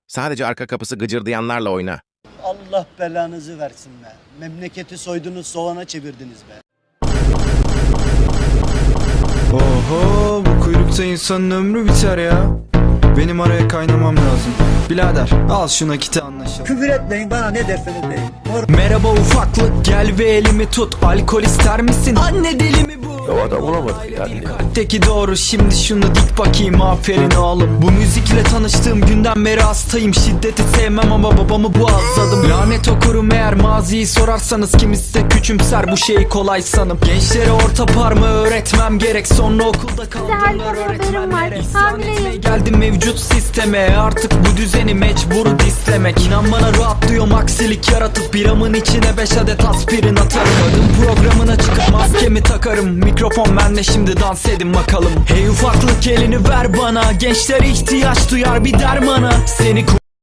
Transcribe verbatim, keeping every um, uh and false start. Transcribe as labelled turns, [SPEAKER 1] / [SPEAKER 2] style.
[SPEAKER 1] Sadece arka kapısı gıcırdayanlarla oyna.
[SPEAKER 2] Allah belanızı versin be. Memleketi soydunuz, soğana çevirdiniz be.
[SPEAKER 3] Oho, bu kuyrukta insanın ömrü biter ya. Benim araya kaynamam lazım. Birader al şu nakiti anlaşalım.
[SPEAKER 2] Küfür etmeyin, bana ne derseniz deyin.
[SPEAKER 3] Merhaba ufaklık, gel ve elimi tut. Alkol ister misin? Anne deli mi bu?
[SPEAKER 4] Havada bulamadık yani.
[SPEAKER 3] Kalpteki doğru, şimdi şunu dik bakayım, aferin oğlum. Bu müzikle tanıştığım günden beri hastayım. Şiddeti sevmem ama babamı boğazladım. Lanet okurum eğer maziyi sorarsanız. Kimisi de küçümser bu şeyi kolay sanıp. Gençlere orta parmağı öğretmem gerek. Sonra okulda kaldım
[SPEAKER 5] harika bir haberim var. Hamileyim.
[SPEAKER 3] Geldim mevcut sisteme, artık bu düzeni mecburu dislemek. İnan bana rahatlıyorum aksilik yaratıp. Biramın içine beş adet aspirin atarım. Adım programına çıkıp maskemi takarım. Mikrofon bende, şimdi dans edin bakalım. Hey ufaklık, elini ver bana. Gençler ihtiyaç duyar bir dermana. Seni